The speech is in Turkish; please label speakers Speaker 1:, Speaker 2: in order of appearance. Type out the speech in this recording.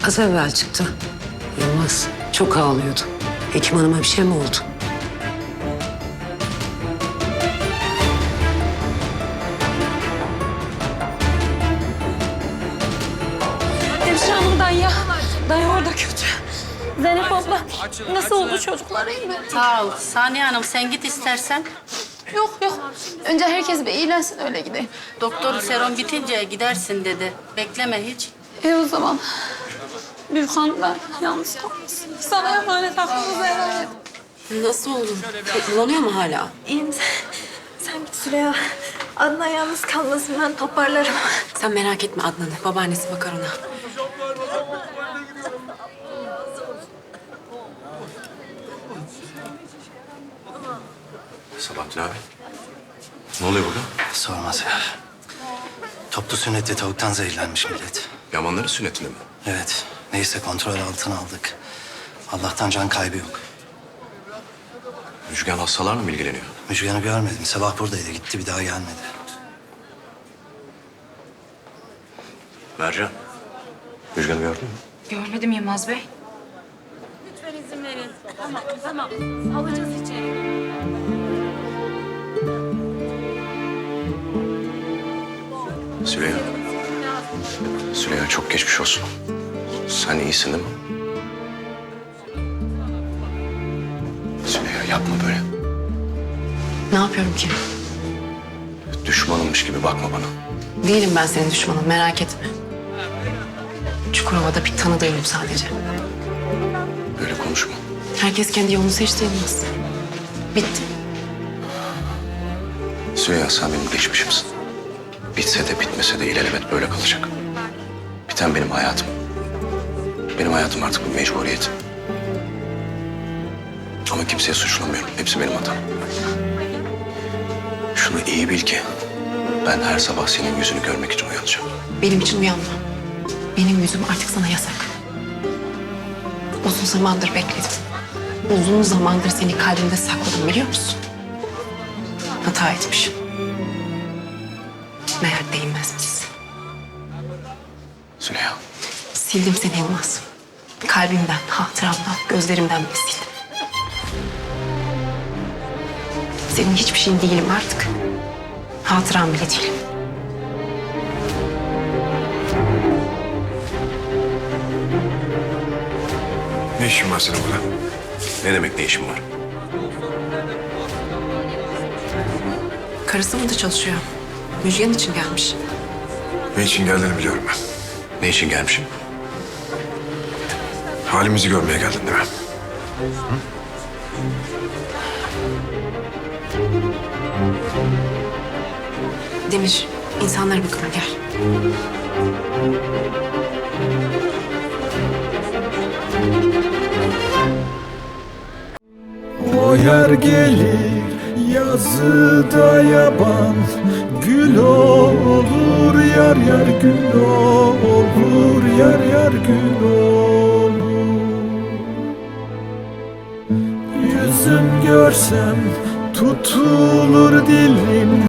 Speaker 1: Az evvel çıktı. Yılmaz çok ağlıyordu. Hekim hanıma bir şey mi oldu?
Speaker 2: Hemşire hanım dayı. Dayı orada kötü. Zeynep abla nasıl oldu çocuklar iyi mi?
Speaker 3: Sağ ol. Saniye Hanım sen git istersen.
Speaker 2: Yok yok. Önce herkes bir iyilensin öyle gideyim.
Speaker 3: Doktor serum bitince gidersin dedi. Bekleme hiç.
Speaker 2: O zaman. Büyükhan da yalnız kalmasın. Sana emanet aklınıza emanet.
Speaker 1: Nasıl oldu? Kullanıyor mu hala?
Speaker 4: İyiyim. Sen git Süreyya. Adnan yalnız kalmasın, ben toparlarım.
Speaker 1: Sen merak etme Adnan'ı. Babaannesi bakar ona.
Speaker 5: Sabahattin abi. Ne oluyor burada?
Speaker 6: Sormaz ya. Toplu sünnette tavuktan zehirlenmiş millet.
Speaker 5: Yamanların sünnetinde mi?
Speaker 6: Evet. Neyse kontrol altına aldık. Allah'tan can kaybı yok.
Speaker 5: Müjgan hastalarla mı ilgileniyor?
Speaker 6: Müjgan'ı görmedim. Sabah buradaydı. Gitti bir daha gelmedi.
Speaker 5: Mercan. Müjgan'ı gördün mü?
Speaker 7: Görmedim Yılmaz Bey.
Speaker 2: Lütfen izin verin. Tamam. Alacağız içeri.
Speaker 5: Süleyha. Süleyha çok geçmiş olsun. Sen iyisin değil mi? Süleyha yapma böyle.
Speaker 1: Ne yapıyorum ki?
Speaker 5: Düşmanımmış gibi bakma bana.
Speaker 1: Değilim ben senin düşmanın, merak etme. Çukurova'da bir tanıdığım sadece.
Speaker 5: Böyle konuşma.
Speaker 1: Herkes kendi yolunu seçti Yılmaz. Bitti.
Speaker 5: Süleyha sen benim geçmişimsin. Bitse de bitmese de ilelebet böyle kalacak. Biten benim hayatım. Benim hayatım artık bir mecburiyet. Ama kimseye suçlamıyorum. Hepsi benim hatam. Şunu iyi bil ki ben her sabah senin yüzünü görmek için uyanacağım.
Speaker 1: Benim için uyanma. Benim yüzüm artık sana yasak. Uzun zamandır bekledim. Uzun zamandır seni kalbimde sakladım biliyor musun? Hata etmişim. Meğer değinmezmişsin.
Speaker 5: Züleyha.
Speaker 1: Sildim seni Yılmaz. Kalbimden, hatıramdan, gözlerimden bile sildim. Senin hiçbir şeyin değilim artık. Hatıram bile değilim.
Speaker 5: Ne işin var senin burada? Ne demek ne işin var?
Speaker 1: Karısı burada çalışıyor. Müjgan için gelmiş.
Speaker 8: Ne için geldiğini biliyorum ben.
Speaker 5: Ne için gelmişim?
Speaker 8: Halimizi görmeye geldin değil mi?
Speaker 1: Demir, insanlara bakalım gel.
Speaker 9: O yer gelir yazıda yaban, gül olur yar yar gül olur yar yar gül olur. Yüzüm görsem tutulur dilim.